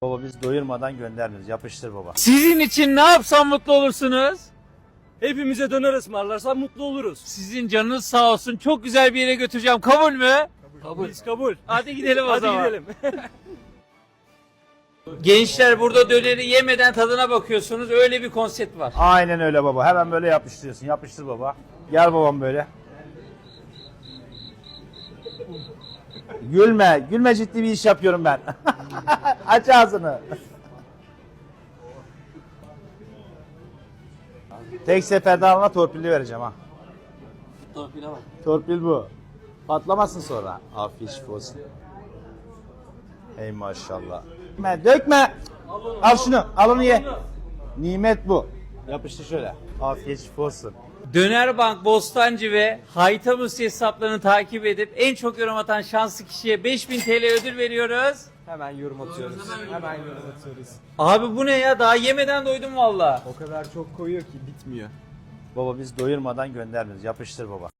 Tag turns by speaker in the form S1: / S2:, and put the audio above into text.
S1: Baba biz doyurmadan göndermiyoruz. Yapıştır baba.
S2: Sizin için ne yapsam mutlu olursunuz?
S3: Hepimize döner ısmarlarsan mutlu oluruz.
S2: Sizin canınız sağ olsun. Çok güzel bir yere götüreceğim. Kabul mü?
S3: Kabul. Biz kabul.
S2: Hadi gidelim o
S3: Hadi
S2: zaman.
S3: gidelim.
S2: Gençler burada döneri yemeden tadına bakıyorsunuz. Öyle bir konsept var.
S1: Aynen öyle baba. Hemen böyle yapıştırıyorsun. Yapıştır baba. Gel babam böyle. Gülme. Gülme, ciddi bir iş yapıyorum ben. Aç ağzını. Tek seferde alma, torpilli vereceğim ha.
S2: Torpile bak.
S1: Torpil bu. Patlamasın sonra. Afiyet şifa olsun. Ey maşallah. Dökme. Al şunu. Al onu ye. Nimet bu. Yapıştır şöyle. Afiyet şifa olsun.
S2: Dönerbank, Bostancı ve Haytamus hesaplarını takip edip en çok yorum atan şanslı kişiye 5000 TL ödül veriyoruz.
S3: Hemen yorum atıyoruz. Hemen yorum atıyoruz.
S2: Abi bu ne ya? Daha yemeden doydum valla.
S3: O kadar çok koyuyor ki bitmiyor.
S1: Baba biz doyurmadan göndermiyoruz. Yapıştır baba.